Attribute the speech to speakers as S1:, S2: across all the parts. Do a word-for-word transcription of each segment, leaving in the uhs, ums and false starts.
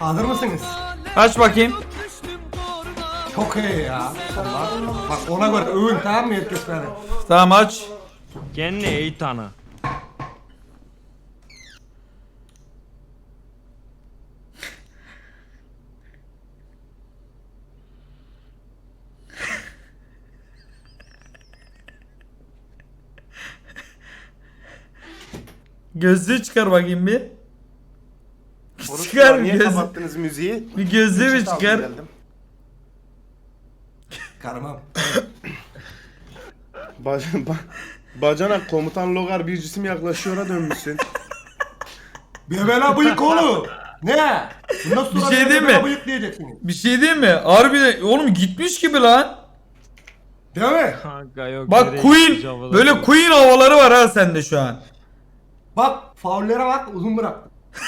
S1: Hazır mısınız?
S2: Aç bakayım.
S1: Çok iyi ya. Allah. Bak ona göre övün tamam mı herkes beni?
S2: Tamam aç.
S3: Kendini iyi tanı.
S2: Gözlüğü çıkar bakayım bir.
S4: Orası
S2: Çıkar bir
S4: niye
S2: göz.
S4: kapattınız müziği?
S2: Bir gözlüğü bir
S4: Çıt aldım,
S2: çıkar.
S4: geldim.
S1: Karımam.
S4: Bac ba bacanak komutan Logar bir cisim yaklaşıyor'a dönmüşsün.
S1: Bebela bıyık oğlum. Ne? Bundan sonra
S2: Bir şey değil
S1: bebela
S2: mi?
S1: bıyık diyeceksiniz.
S2: Bir şey diyeyim mi? Harbi oğlum gitmiş gibi lan.
S1: Değil mi?
S3: Kanka yok.
S2: Bak
S3: nereye
S2: Queen
S3: gitmiş havalar
S2: böyle
S3: yok.
S2: Queen havaları var ha sende şu an.
S1: Bak faullere bak uzun bıraktım.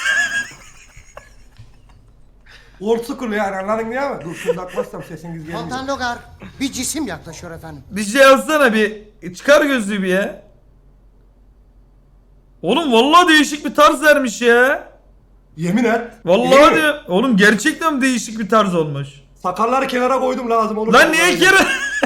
S1: Old school yani anladın değil mi? Dur şunu takmazsam sesiniz gelmiyor.
S5: Komutan Logar, bir cisim yaklaşıyor efendim.
S2: Bir şey yazsana bir. Çıkar gözlüğü bir ya. Oğlum vallahi değişik bir tarz vermiş ya.
S1: Yemin et.
S2: Vallahi
S1: Değil mi?
S2: diyor. Oğlum gerçekten değişik bir tarz olmuş.
S1: Sakalları kenara koydum lazım olur.
S2: Lan niye kere?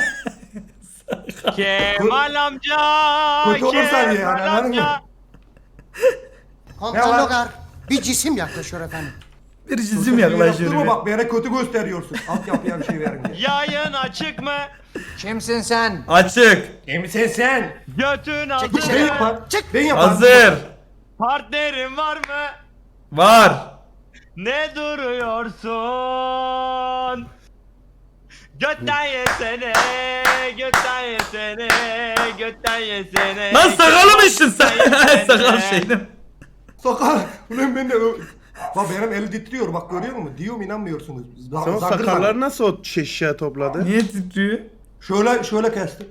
S3: Kemal amca.
S1: Kötü olursa diye yani,
S3: Kemal
S1: anladın mı?
S3: amca.
S5: Komutan
S1: Ne var?
S5: Logar, bir cisim yaklaşıyor efendim.
S2: Bir cisim yaklaşıyor.
S1: Yaptırma
S2: bir.
S1: bak bana kötü gösteriyorsun. Altyapıya bir şey verin diye.
S3: Yayın açık mı?
S5: Kimsin sen?
S2: Açık.
S1: Emin sen.
S3: Götün
S1: Ben
S3: hazır.
S1: yapar. Ben yapar.
S2: Hazır.
S3: Partnerin var mı?
S2: Var.
S3: Ne duruyorsun? Götten yesene, götten yesene, götten yesene.
S2: Lan sakalı mı içtin sen?
S3: Götten yesene.
S2: Sakal şeydim.
S1: Sakal. Ulan ben de ö- Bak benim el titriyor bak görüyor musun? Diyorum inanmıyorsunuz. Z-
S4: Sen o
S1: zangır
S4: sakalları
S1: zangır.
S4: nasıl o şişeye topladı?
S2: Niye titriyor?
S1: Şöyle şöyle kestim.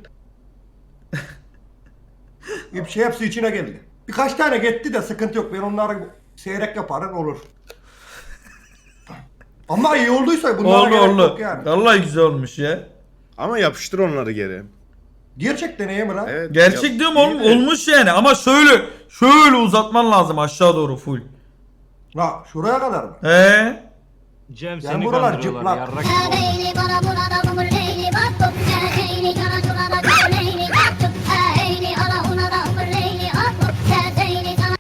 S1: Bir şey hepsi içine geldi. Birkaç tane gitti de sıkıntı yok. Ben onları seyrek yaparım olur. Ama iyi olduysa bunlara
S2: Oldu
S1: gerek
S2: oldu.
S1: yok yani.
S2: Vallahi güzel olmuş ya.
S4: Ama yapıştır onları geri.
S1: Gerçekten iyi mi lan?
S4: Evet.
S2: Gerçek
S4: yap-
S2: diyorum oğlum
S4: iyi de-
S2: olmuş yani ama şöyle şöyle uzatman lazım aşağı doğru full.
S1: Ha şuraya kadar mı?
S2: He?
S3: Cem
S1: Yani
S3: seni
S1: buralar
S3: kandırıyorlar
S1: cıplak.
S3: yarrak.
S6: Leyli bana burada bumur leyli bak bak leyli kana şurada kal leyli bak bak leyli ala una da umur leyli at bak leyli kana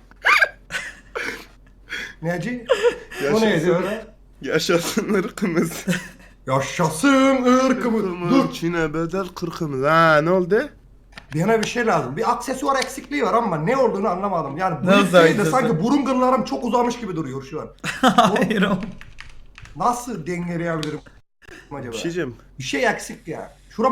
S1: Neci? O
S4: Yaşasın.
S1: neydi öyle?
S4: Yaşasın ırkımız.
S1: Yaşasın ırkımız. Dur.
S4: Çin'e bedel kırkımız. Ha ne oldu?
S1: Bana bir şey lazım. Bir aksesuar eksikliği var ama ne olduğunu anlamadım. Yani bu
S2: Nasıl
S1: değil de
S2: aksesuar?
S1: sanki burun kıllarım çok uzamış gibi duruyor şu an.
S2: Hayır oğlum.
S1: Nasıl dengeleyebilirim acaba?
S4: Bir şey diyeceğim.
S1: Bir şey eksik ya.